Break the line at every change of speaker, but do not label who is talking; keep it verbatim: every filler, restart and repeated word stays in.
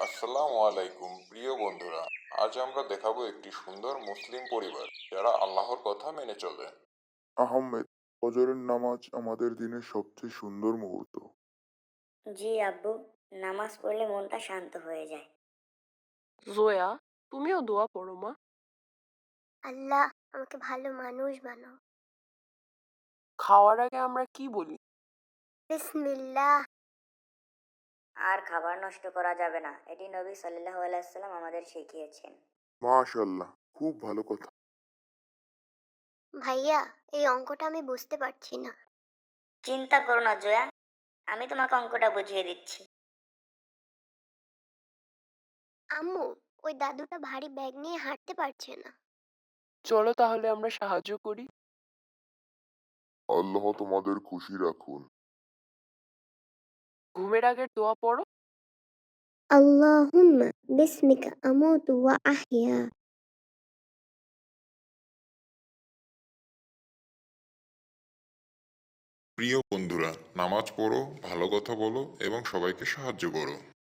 আসসালামু আলাইকুম প্রিয় বন্ধুরা। আজ আমরা দেখাবো একটি সুন্দর মুসলিম পরিবার যারা আল্লাহর কথা মেনে চলে।
আহমেদ, ফজরের নামাজ আমাদের দিনের সবচেয়ে সুন্দর মুহূর্ত।
জি আব্বু, নামাজ পড়লে মনটা শান্ত হয়ে যায়।
জোয়া, তুমিও দোয়া পড়ো মা।
আল্লাহ আমাকে ভালো মানুষ বানাও।
খাওয়ার আগে আমরা কি বলি?
বিসমিল্লাহ।
আর খাবার নষ্ট করা যাবে না, এটি নবী সাল্লাল্লাহু আলাইহি সাল্লাম আমাদের শিখিয়েছেন।
মাশাআল্লাহ, খুব ভালো কথা।
ভাইয়া, এই অঙ্কটা আমি বুঝতে পারছি না।
চিন্তা করো না জয়া, আমি তোমাকে অঙ্কটা বুঝিয়ে দিচ্ছি।
আম্মু, ওই দাদুটা ভারী ব্যাগ নিয়ে হাঁটতে পারছে না।
চলো তাহলে আমরা সাহায্য করি।
আল্লাহ তোমাদের খুশি রাখুন।
ঘুমের আগের দোয়া পড়ো।
আল্লাহুম্মা বিসমিকা আমুতু ওয়া আহইয়া।
প্রিয় বন্ধুরা, নামাজ পড়ো, ভালো কথা বলো এবং সবাইকে সাহায্য করো।